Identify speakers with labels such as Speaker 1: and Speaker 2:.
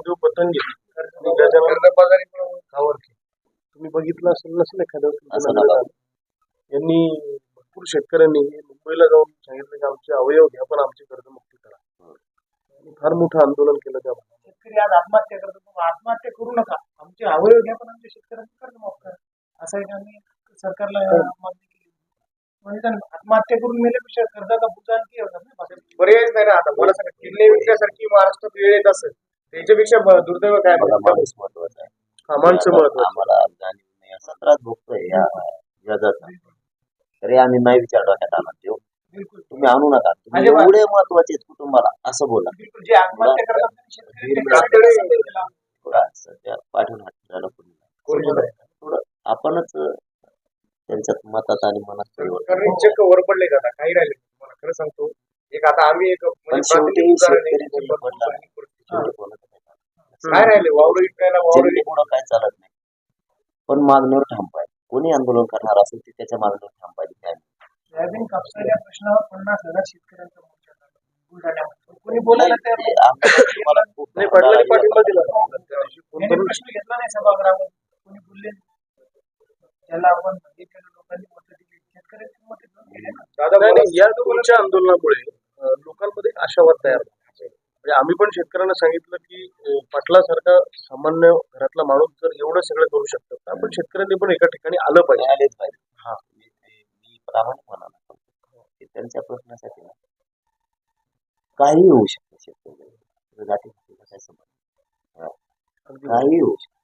Speaker 1: महादेव पतंगे आणि गजानन गावरके तुम्ही बघितलं असेल नसेल एखाद्या
Speaker 2: असं नका.
Speaker 1: यांनी भरपूर शेतकऱ्यांनी मुंबईला जाऊन सांगितलं की आमचे अवयव घ्या पण आमची कर्जमुक्ती करा. आणि फार मोठं आंदोलन केलं त्या भागात.
Speaker 3: शेतकरी आज आत्महत्या करतो, मग आत्महत्या करू नका, आमचे अवयव घ्या पण आमच्या शेतकऱ्यांचं कर्ज माफ करा, असं एक आम्ही सरकारला मागणी केली. म्हणजे त्यांना आत्महत्या करून मेल्यापेक्षा कर्जाचा बुजा आणखी होतात ना.
Speaker 4: पर्यायच नाही ना. आता मला सांगा, किल्ले विकण्यासारखी महाराष्ट्रात वेळ येत असेल त्याच्यापेक्षा दुर्दैव काय
Speaker 2: मला माणूस महत्वाचा आहे.
Speaker 1: माणसं महत्वाचं.
Speaker 2: आम्हाला जाणीव नाही, असा त्रास भोगतोय या जगाचा. तरी आम्ही नाही विचार डोक्यात आणत देऊ.
Speaker 3: बिलकुल
Speaker 2: तुम्ही आणू नका, तुम्ही एवढे महत्वाचे आहेत कुटुंबाला असं बोला.
Speaker 3: बिलकुल जे आत्महत्या करतात ना शेतकरी, ते कातडे समजलेला.
Speaker 2: थोडा सध्या पाठवून झालं थोडं आपणच त्यांच्यात मतात आणि मनात परिवर्तन.
Speaker 4: कारण चक्क वर पडले का आता काही राहिले मला खरं सांगतो. एक आता आम्ही एक
Speaker 2: पण
Speaker 4: म्हणजे
Speaker 2: शेवटी
Speaker 4: प्राथमिक उदाहरण आहे.
Speaker 2: शेतकरी बळी पडला. शेवटी कोणाचं काय चालत
Speaker 4: काय राहिले वावर विकायला वावर
Speaker 2: जनतेपुढं काय चालत नाही, पण मागणीवर ठाम पाहिजे. कोणी आंदोलन करणार असेल ते त्याच्या मागणीवर ठाम पाहिजे.
Speaker 3: सोयाबीन कापसाच्या प्रश्नावर 50,000 शेतकऱ्यांचा मोर्चा झाला बुलढाण्यामध्ये. कोणी बोलायला तयार नाही.
Speaker 2: तुम्हाला खूप
Speaker 1: नाही, पाटलांनी पाठिंबा दिला.
Speaker 3: त्यांनी प्रश्न घेतला नाही सभागृहामध्ये, कोणी बोलले नाही. त्याला आपण केलं, लोकांनी मत दिली, शेतकऱ्यांची मत दिली ना.
Speaker 4: दादा
Speaker 1: नाही, नाही, या तुमच्या आंदोलनामुळे लोकांमध्ये एक आशावाद तयार झाला. म्हणजे आम्ही पण शेतकऱ्यांना सांगितलं की पाटलासारखा सामान्य घरातला माणूस जर एवढं सगळं करू शकतो तर आपण शेतकऱ्यांनी पण एका ठिकाणी आलं पाहिजे.
Speaker 2: आलेच पाहिजे.
Speaker 1: हा.
Speaker 2: मी प्रामाणिक म्हणाला की त्यांच्या प्रश्नासाठी ना काही होऊ शकतं. शेतकरी जाती काय संबंध, काही होऊ शकतं.